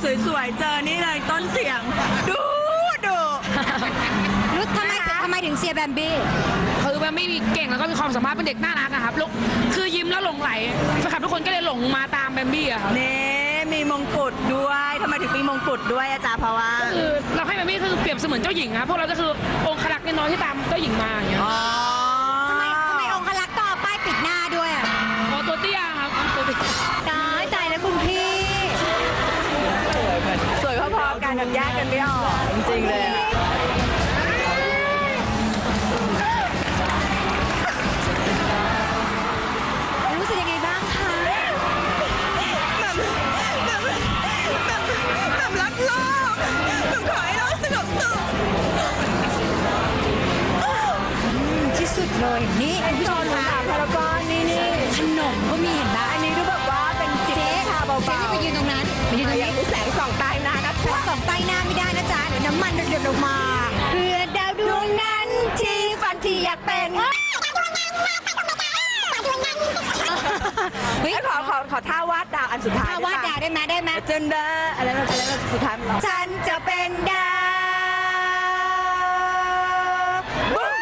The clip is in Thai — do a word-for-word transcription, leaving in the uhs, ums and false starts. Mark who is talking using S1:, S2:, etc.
S1: สวยๆเจอนี่เลยต้นเสียงดูดู
S2: รู้ทำไมทำไมถึงเชียร์แบมบี้
S3: คือมันไม่มีเก่งแล้วก็มีความสามารถเป็นเด็กน่ารักอะครับแล้วคือยิ้มแล้วหลงไหลแฟนคลับทุกคนก็เลยหลงมาตามแบมบี้อะครับ
S1: เน่มีมงกุฎด้วยทำไมถึงมีมงกุฎด้วยอาจารย์เพราะว่า
S3: คือเราให้แบมบี้คือเปรียบเสมือนเจ้าหญิงครับพวกเราก็คือองครักษ์น้อยที่ตามเจ้าหญิงมาอย่างเงี้ย
S1: อ๋อ
S2: ทำไมทำไมองคลักษ์ต้องเอาป้ายปิดหน้าด้วยอ่ะ
S3: โอ้ตัวเตี้ยครับตัวเตี้ย
S2: ตายตายแล้วคุณพี่
S1: สวยพอๆกันแบบแยกกันไม่ออกจริงๆเลยอะ
S2: รู้สึกยังไงบ้างคะ
S1: แบบรักโลกแบบขอให้โลกสงบสุข
S2: ที่สุดเลยนี่คุณผู้ชมคะ
S1: พารากอนนี่นี่
S2: ขนมก็มีเห็นไหม
S1: อันนี้ดูแบบว่าเป็นจิบ
S2: เจ๊
S1: ชาเบาๆ
S2: เจ๊จะไปยืนตรงนั้นไปยืนตรง
S1: อย่า
S2: นี้
S1: งนี้แสงส่องใต้หน้านะ
S2: ฉันส่องใต้หน้าไม่ได้นะจ๊ะเดี๋ยวน้ำมันหยดลงมาเพื่อดาวดวงนั้นที่ฝันที่อยากเป็นเฮ้ย
S1: ขอขอขอท่าวาดดาวอันสุดท้าย
S2: ถ้าวาดดาวได้ไหมได้ไหม
S1: จนเดออะไรนะอะไรนะสุดท้ายมันร้อง
S2: ฉันจะเป็นดาว